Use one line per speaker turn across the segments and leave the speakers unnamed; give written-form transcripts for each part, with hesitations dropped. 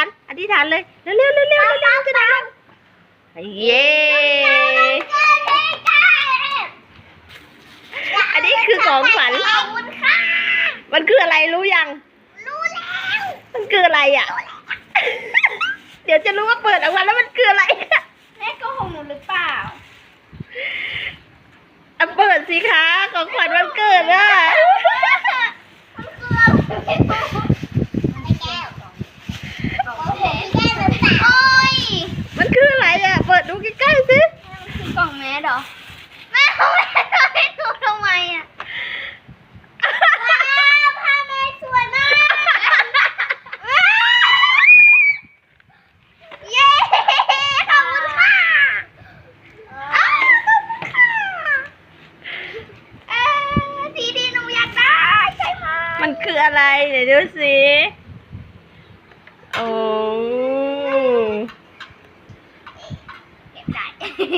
อธิษฐานเลยเร็วเร็วเร็วเร็วเร็วจะดังเย้อันนี้คือของขวัญมันคืออะไรรู้ยังรู้แล้วมันคืออะไรอ่ะเดี๋ยวจะรู้ว่าเปิดออกมาแล้วมันคืออะไร
แม่โกหกหนูหรือเปล่า
เปิดสิคะของขวัญวันเกิดอ่ะมันคืออะไรอ่ะเปิดดูใกล้ๆสิ
คือกล่องแมสเหรอแม่เขาไม่ให้หนูทำไมอ่ะผ้าแม่สวยมากเย้ขอบคุณค่ะทีดีหนูอยากได้ใช่ไหม
มันคืออะไรเดี๋ยวดูสิโอ้
เก็บได้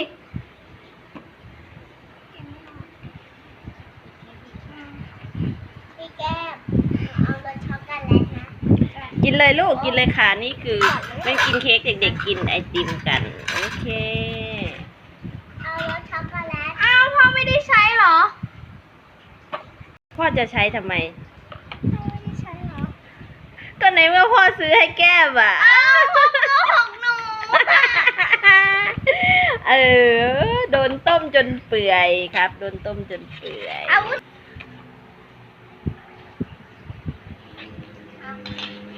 พี่แก้มเอารสช็อกโกแลตนะ
กินเลยลูกกินเลยค่ะนี่คือไม่กินเค้กเด็กๆกินไอติมกันโอเค
เอารสช็อกโกแลตอ้าวพ่อไม่ได้ใช้เหรอ
พ่อจะใช้ทำไม
พ่อไม่ได้ใช้เหรอ
ก็ในเมื่อพ่อซื้อให้แก้มอ่ะ
อ้าวพ่อของหนู
โดนต้มจนเปื่อยครับโดนต้มจนเปื่อย